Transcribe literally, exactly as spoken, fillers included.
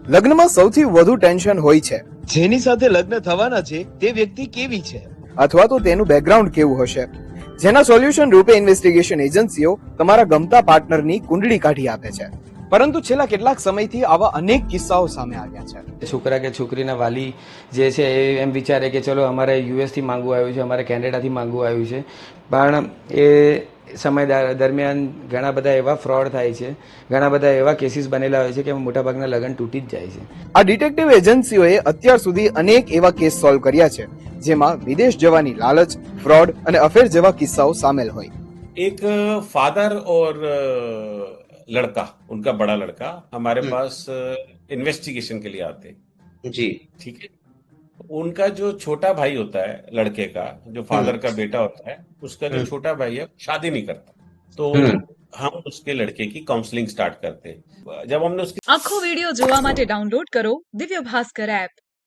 લગ્નમાં સૌથી વધુ ટેન્શન હોય છે, જેની સાથે લગ્ન થવાના છે તે વ્યક્તિ કેવી છે, અથવા તો તેનું બેકગ્રાઉન્ડ કેવું હશે, જેના સોલ્યુશન રૂપે ઇન્વેસ્ટિગેશન એજન્સીઓ તમારા ગમતા પાર્ટનરની કુંડળી કાઢી આપે છે. પરંતુ છેલ્લા કેટલાક સમયથી આવા અનેક કિસ્સાઓ સામે આવ્યા છે. છોકરા કે છોકરીના વાલી જે છે એ એમ વિચારે કે ચલો અમારે યુએસથી માંગવું આવ્યું છે, અમારે કેનેડાથી માંગવું આવ્યું છે, પણ એ સમય દરમિયાન ઘણા બધા એવા ફ્રોડ થાય છે, ઘણા બધા એવા કેસીસ બનેલા હોય છે કે મોટાભાગના લગ્ન તૂટી જ જાય છે. આ ડિટેક્ટિવ એજન્સીઓએ અત્યાર સુધી અનેક એવા કેસ સોલ્વ કર્યા છે, જેમાં વિદેશ જવાની લાલચ, ફ્રોડ અને અફેર જેવા કિસ્સાઓ સામેલ હોય. एक फादर और लड़का, उनका बड़ा लड़का हमारे पास इन्वेस्टिगेशन के लिए आते हैं. जी ठीक है. उनका जो छोटा भाई होता है लड़के का, जो फादर का बेटा होता है, उसका जो छोटा भाई है शादी नहीं करता, तो हम उसके लड़के की काउंसलिंग स्टार्ट करते हैं. जब हमने उसकी આખો વિડિયો જોવા માટે ડાઉનલોડ કરો દિવ્ય ભાસ્કર એપ.